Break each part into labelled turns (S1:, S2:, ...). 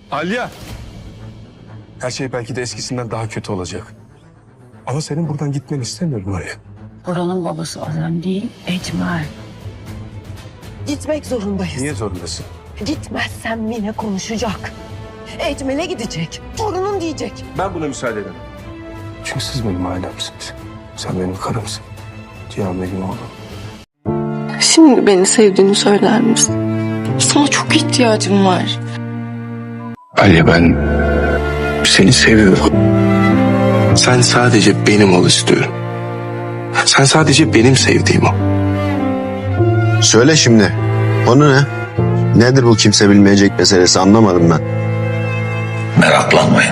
S1: Alya! Her şey belki de eskisinden daha kötü olacak. Ama senin buradan gitmeni istemiyorum Alya.
S2: Buranın babası Azem değil, Ecmel.
S3: Gitmek zorundayız.
S1: Niye zorundasın?
S3: Gitmezsem Mine konuşacak. Ecmel'e gidecek. Torunun diyecek.
S1: Ben buna müsaade edemem. Çünkü siz benim ailemsiniz. Sen benim karımsın. Cihan benim oğlum.
S4: Şimdi beni sevdiğini söyler misin? Sana çok ihtiyacım var.
S5: Alya, ben seni seviyorum. Sen sadece benim ol istiyorum. Sen sadece benim sevdiğim ol.
S6: Söyle şimdi. Konu ne? Nedir bu kimse bilmeyecek meselesi, anlamadım ben.
S7: Meraklanmayın.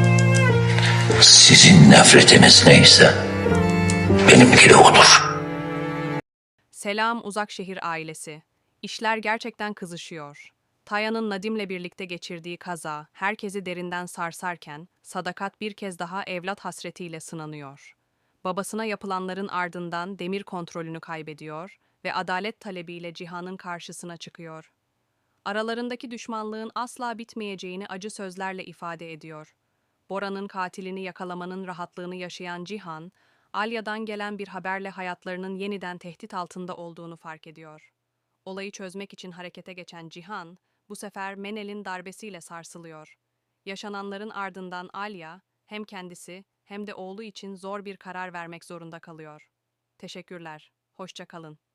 S7: Sizin nefretiniz neyse benimki de odur.
S8: Selam Uzakşehir ailesi. İşler gerçekten kızışıyor. Taya'nın Nadim'le birlikte geçirdiği kaza herkesi derinden sarsarken Sadakat bir kez daha evlat hasretiyle sınanıyor. Babasına yapılanların ardından Demir kontrolünü kaybediyor ve adalet talebiyle Cihan'ın karşısına çıkıyor. Aralarındaki düşmanlığın asla bitmeyeceğini acı sözlerle ifade ediyor. Bora'nın katilini yakalamanın rahatlığını yaşayan Cihan, Alya'dan gelen bir haberle hayatlarının yeniden tehdit altında olduğunu fark ediyor. Olayı çözmek için harekete geçen Cihan, bu sefer Menel'in darbesiyle sarsılıyor. Yaşananların ardından Alya, hem kendisi hem de oğlu için zor bir karar vermek zorunda kalıyor. Teşekkürler, hoşça kalın.